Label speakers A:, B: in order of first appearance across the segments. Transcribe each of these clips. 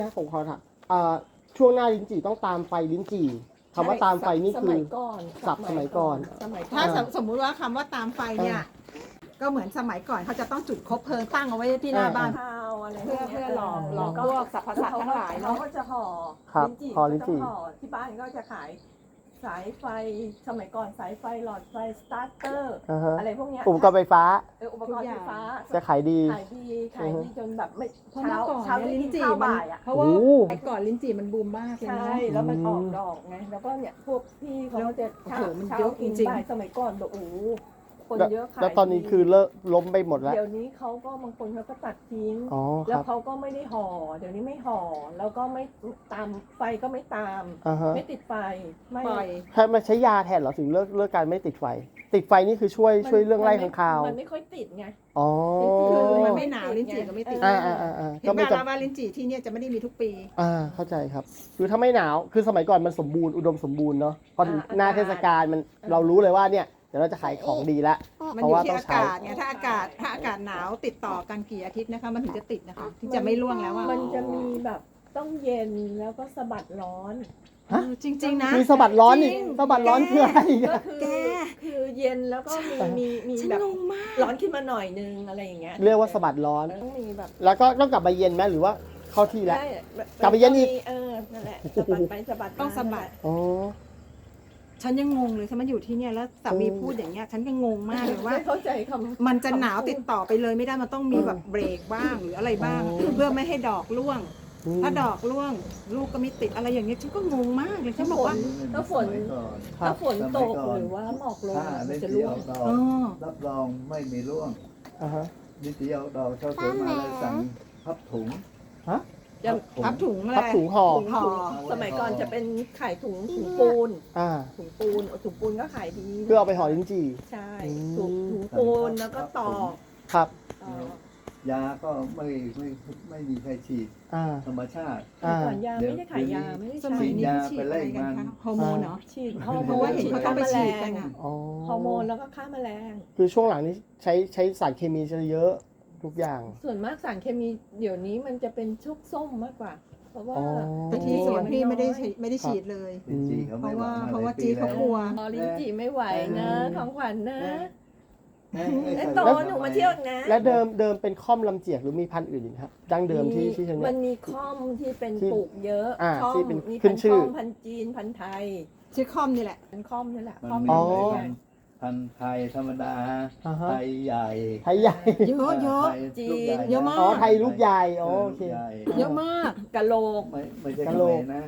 A: ผมขอถามช่วงหน้าลิ้นจี่ต้องตามไฟลิ้นจี่คำว่าตามไฟนี่คือศัพท์สมัยก่อน
B: ถ้าสมมุติว่าคำว่าตามไฟเนี่ยก็เหมือนสมัยก่อนเขาจะต้องจุดคบเพลิงตั้งเอาไว้ที่หน้าบ้านเพื่อหลอกพวกสรรพสัตว์ทั้งหลายเนาะ
C: เขาก็จะห่อลิ้นจี่ที่บ้านก็จะขายสายไฟสมัยก่อนสายไฟหลอดไฟสตาร์เตอร์อะไรพวกเนี้ย
A: อุปกรณ์ไฟฟ้า
C: อุปกรณ์ไฟฟ้า
A: จะขายดี
C: จนแบบไม่
B: เช้าลิ้นจี่มันเพราะว่าแต่ก่อนลิ้นจี่มันบูมมากเลย
C: ใช่แล้วมันออกดอกไงแล้วก็เนี่ยพวกพี่เขาจะเช้ากินบ่ายสมัยก่อนแบบคนเยอะขาย
A: แล้วตอนนี้คือเลิกล้มไปหมดแล้ว
C: เดี๋ยวนี้เขาก็บางคนเขาก็ตัดทิ้งแล้วเขาก็ไม่ได้ห่อเดี๋ยวนี้ไม่ห่อแล้วก็ไม่ตามไฟก็ไม่ตามไม่ติดไฟไม่
A: มาใช้ยาแทนเหรอถึงเลิกการไม่ติดไฟติดไฟนี่คือช่วยเรื่องไล่ข้างคาว
C: มันไม่ค่อยติดไง
B: คือมันไม่หนาวลิ้นจี่ก็ไม่ติดเห็นไหมล่ะว่าลิ้นจี่ที่เนี่ยจะไม่ได้มีทุกปี
A: เข้าใจครับคือถ้าไม่หนาวคือสมัยก่อนมันสมบูรณ์อุดมสมบูรณ์เนาะพอถึงหน้าเทศกาลมันเรารู้เลยว่าเนี่ยเดี๋ยวเราจะขายของดีแล้ว
B: เพราะว่าต้องใช้อากาศไงถ้าอากาศหนาวติดต่อกันกี่อาทิตย์นะคะมันถึงจะติดนะคะที่จะไม่ร่วงแล้ว
C: มันจะมีแบบต้องเย็นแล้วก็สะบัดร้อน
B: จริงๆนะ
A: มีสะบัดร้อนนี่สะบัดร้อนคืออะไร
C: ก็คือเย็นแล้วก็มีแบบร้อนขึ้นมาหน่อยนึงอะไรอย่างเงี้ย
A: เรียกว่าสะบัดร้อน
C: ต้องมีแบบ
A: แล้วก็ต้องกลับมาเย็นไหมหรือว่าเข้าที่แล้วกลับมาเย็นอีก
C: นั่นแหละสะบัดไปสะบัด
B: ต้องสะบัดฉันยังงงเลยฉันมาอยู่ที่เนี่ยแล้วสามีพูดอย่างเงี้ยฉันก็งงมากเลยว่า
C: เข้าใจคำ
B: มันจะหนาวติดต่อไปเลยไม่ได้มันต้องมีแบบเบรกบ้างหรืออะไรบ้างเพื่อไม่ให้ดอกร่วงถ้าดอกร่วงลูกก็ไม่ติดอะไรอย่างเงี้ยฉันก็งงมากเลยฉันบอกว่า
C: ถ้าฝนตกหรือว่าหมอกลงมันจะร่วง
D: รับรองไม่มีร่วงนิติเอาดอกเช่าสวยมาเลยสั่งพับถุง
B: พับถุงอะไร
A: พับถุงห่อ
C: สมัยก่อนจะเป็นขายถุงปูนถุงปูนก็ขายดี
A: เพื่อเอาไปห่อลิ้นจี่
C: ใช่ถุงปูนแล้วก็ตอก
A: ครับ
D: ยาก็ไม่มีใครฉีดธรรมชาติ
C: ก่อนยาไม่ได้ขายยาไม่ได้
B: ฉีดยา
D: ไปไล่มัน
B: ฮอร์โมนเนาะ
C: ฉีดเพราะว่าเห็นเขาต้องไปฉีดกันฮอร์โมนแล้วก็ฆ่าแมลง
A: คือช่วงหลังนี้ใช้สารเคมีจะเยอะทุกอย่าง
C: ส่วนมากสารเคมีเดี๋ยวนี้มันจะเป็นชุกส้มมากกว่าเพราะว่า
B: ที่สวนพี่ไม่ได้ฉีดเลยเพราะว่าจีเขากลัว
C: ลิ้นจี่ไม่ไหวนะของขวัญนะโตหนูมาเที่ยวนะ
A: และเดิมเป็นค่อมลำเจียกหรือมีพันธุ์อื่นอีกครับดั้งเดิมที่เชียงใหม่
C: มันมีค่อมที่เป็นปลูกเยอะ
A: ค่อม
C: มีพันธุ์ค่อมพันธุ์จีนพันธุ์ไทย
B: ชื่อค่อมนี่แหละ
C: เป็นค่อมนี่แหละ
D: ค่อมพันธุ์ไทยธรรมดาไทยใหญ่
B: เยอะ
C: จีน
B: เยอะมาก
A: ไทยลูกใหญ่โอเค
B: เยอะมาก
C: กะโหลก
D: ไม่ใช่กะโหลกนะ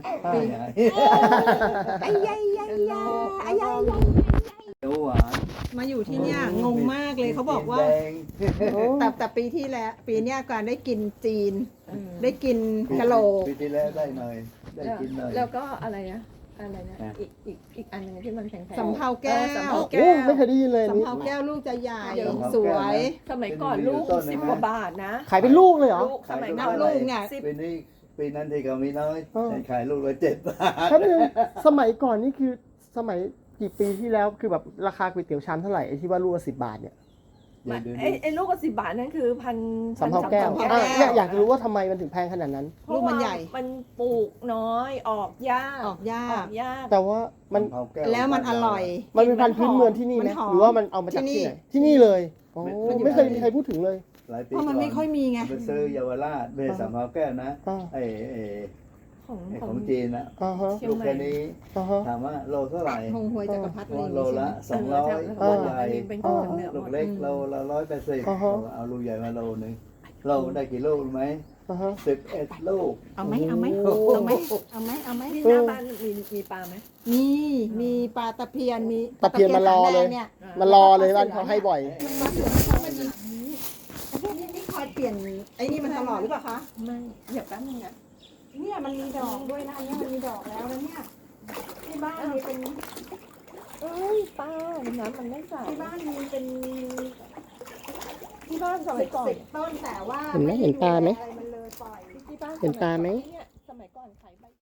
B: ไอ้ใหญ่มาอยู่ที่เนี่ยงงมากเลยเขาบอกว่าแต่ปีที่แล้วปีนี้การได้กินจีนได้กินกะโหลก
D: ปีที่แล้วได้หน่อยได้กินหน่อย
C: แล้วก็อะไรนะอีกอันนึงที่มันแพงๆ
B: สำเภาแก้ว
A: ไม่เคยได้ยินเลย
B: สำเภาแก้วลูกจะใหญ่สวย
C: สมัยก่อนลูก10 กว่าบาทนะ
A: ขายเป็นลูกเลยเหรอ
C: สมัย
B: นั้นลูกเนี่ย
D: ปีนั้นที่เขามีน้อยขายลูกละ7 บาท
A: สมัยก่อนนี่คือสมัยกี่ปีที่แล้วคือแบบราคาก๋วยเตี๋ยวชามเท่าไหร่ไอ้ที่ว่าลูกละ10 บาทเนี่ย
C: ไอ้ลูกละ10 บาทนั่นคือ
A: สำเภาแก้วอยากรู้ว่าทำไมมันถึงแพงขนาดนั้น
B: ลูกมันใหญ่
C: มันปลูกน้อยออกยาก
A: แต่ว่ามัน
B: แล้วมันอร่อย
A: มันเป็นพันธุ์พื้นเมืองที่นี่ไหมหรือว่ามันเอามาจากที่ไหนที่นี่เลยไม่เคยมีใครพูดถึงเลย
B: เพราะมันไม่ค่อยมีไง
D: ไปซื้อเยาวราชเบสสำเภาแก้วนะของจีนนะลูกแค่นี้ถามว่าโลเท่าไหร่โลละ200ใหญ่ลูกเล็กโลละ180เอาลูกใหญ่มาโลนึงเราได้กี่ลูกไหม11 ลูก
B: เอาไหม
C: ที่หน้าบ้านมีปลาไหม
B: มีปลาตะเพียนมี
A: ตะเพียนมารอเลยบ้านเขาให้บ่อย
B: นี่คอยเปลี่ยนไอ้นี่มันตลอดหรือเปล่าคะ
C: ไม่เดี๋ยวแป๊บนึงนะ
B: เนี่ยมันมีดอกด้วยนะเนี่ยมันมีดอกแล้วนะเนี่ยที่บ้านมีเป็น
C: ป้าน้ำมันไม่ใส่
B: ที่บ้านมีเป็น
C: ที่บ้านสมัยก่อน
B: 10 ต้นแต่ว่า
A: เห็นปลาไหม
B: มันเลยปล่อย
A: เห็นปลาไหม
C: สมัยก่อนขาย